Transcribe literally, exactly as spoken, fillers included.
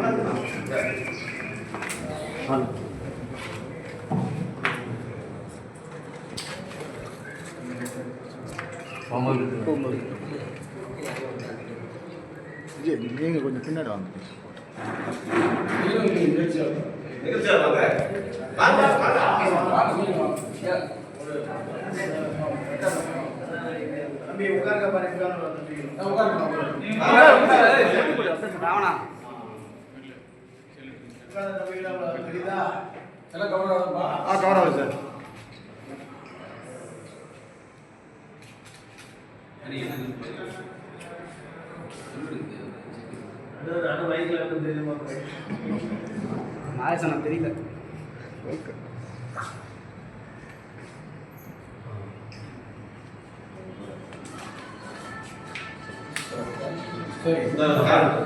நீங்க கொஞ்சம் பின்னாடி வாங்க. தம்பி உட்காருங்க பாருங்க. கவர் ஆகுது சார். நாயசனம் தெரியல. சரி